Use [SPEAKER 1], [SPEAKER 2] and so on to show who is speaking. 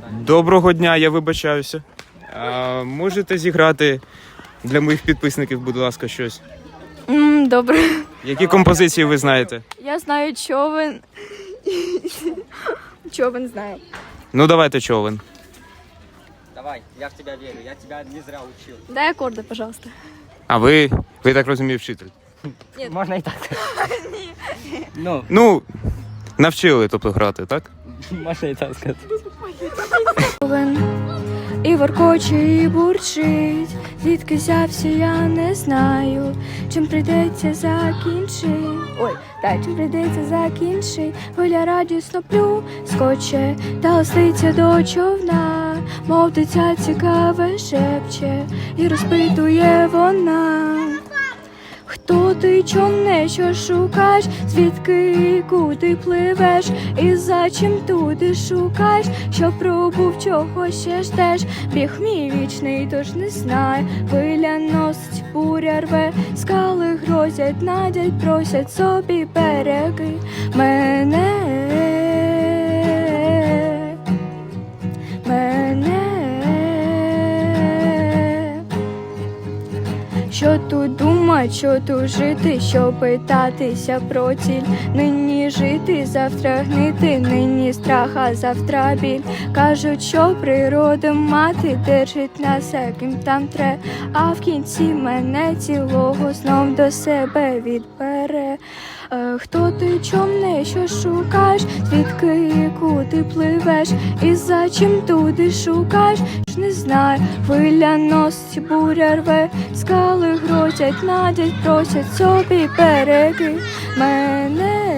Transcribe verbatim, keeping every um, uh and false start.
[SPEAKER 1] Доброго дня, я вибачаюся. А, можете зіграти для моїх підписників, будь ласка, щось?
[SPEAKER 2] М, Добре.
[SPEAKER 1] Які композиції ви знаєте?
[SPEAKER 2] Я знаю човен. Човен знаю.
[SPEAKER 1] Ну, давайте човен.
[SPEAKER 3] Давай, я в тебя верю, я тебя не зря учил.
[SPEAKER 2] Дай аккорды, пожалуйста.
[SPEAKER 1] А ви, ви так розумію, вчитель?
[SPEAKER 2] Ні.
[SPEAKER 3] Можно и так. Ну,
[SPEAKER 1] Ну, навчили, тобто, грати, так?
[SPEAKER 3] можно и так сказать.
[SPEAKER 2] Човен і воркоче, і бурчить. Звідки взявся, я не знаю. Чим прийдеться закінчить. Ой, так, чим прийдеться закінчить. Хвиля радісно плюскоче та ластиться до човна. Мов дитя цікаве шепче і розпитує вона. Хто ти, човне, що шукаєш, звідки і куди пливеш, і за чим туди шукаєш, що пробув, чого ще ждеш. Біг мій вічний, тож не знаю, хвиля носить, буря рве, скали грозять, надять, просять собі береги мене, мене. Що тут думать, що тут жити, що питатися про ціль. Нині жити, завтра гнити, нині страх, а завтра біль. Кажуть, що природа мати держить нас, яким там тре, а в кінці мене цілого знов до себе відбере. Е, Хто ти, човне, що шукаєш, звідки і куди пливеш, і за чим туди шукаєш, ж не знаю, хвиля носить, буря рве, скали грозять, надять, просять собі береги мене.